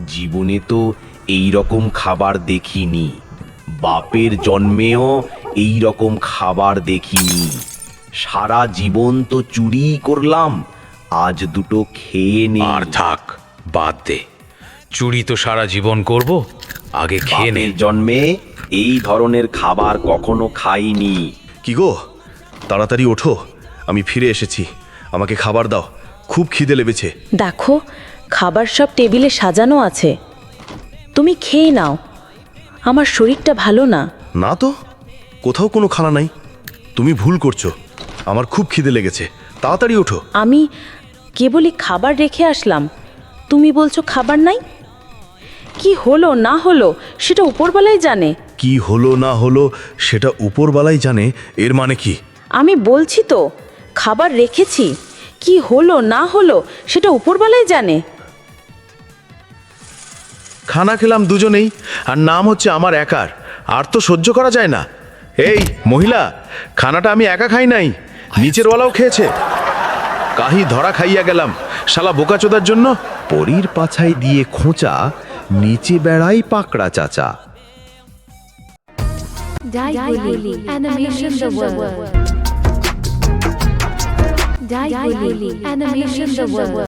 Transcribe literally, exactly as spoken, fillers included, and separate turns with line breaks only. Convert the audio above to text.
জীবনে তো এই রকম খাবার দেখিনি, বাপের জন্মেও এই রকম খাবার দেখিনি। সারা জীবন তো চুরি করলাম, আজ দুটো খেয়ে নে।
আর থাক, বাদ দে। চুরি তো সারা জীবন করব, আগে খেয়ে নে।
বাপের জন্মে এই ধরনের খাবার কখনো খাইনি।
কি গো, তাড়াতাড়ি ওঠো, আমি ফিরে এসেছি। আমাকে খাবার দাও, খুব খিদে লেগেছে।
দেখো, খাবার সব টেবিলে সাজানো আছে, তুমি খেয়ে নাও। আমার শরীরটা ভালো না।
না তো, কোথাও কোনো খানা নাই। তুমি ভুল করছো, আমার খুব খিদে লেগেছে, তাড়াতাড়ি ওঠো।
আমি কেবলই খাবার রেখে আসলাম, তুমি বলছো খাবার নাই? কি হলো না হলো সেটা উপরবেলাই জানে।
কি হলো না হলো সেটা উপরবালাই জানে, এর মানে কি?
আমি বলছি তো, খাবার রেখেছি, কি হলো না হলো সেটা উপরবেলাই জানে।
খানা খেলাম দুজনেই, আর নাম হচ্ছে আমার একার, আর তো সহ্য করা যায় না। এই মহিলা, খানাটা আমি একা খাই নাই, নিচের ওয়ালাও খেয়েছে। কাহি ধরা খাইয়া গেলাম শালা বোকাচোদার জন্য।
পরীর পাছায় দিয়ে খোঁচা, নিচে বেড়াই পাকড়া চাচা।
Daiguli Animation the World. Daiguli Animation the World.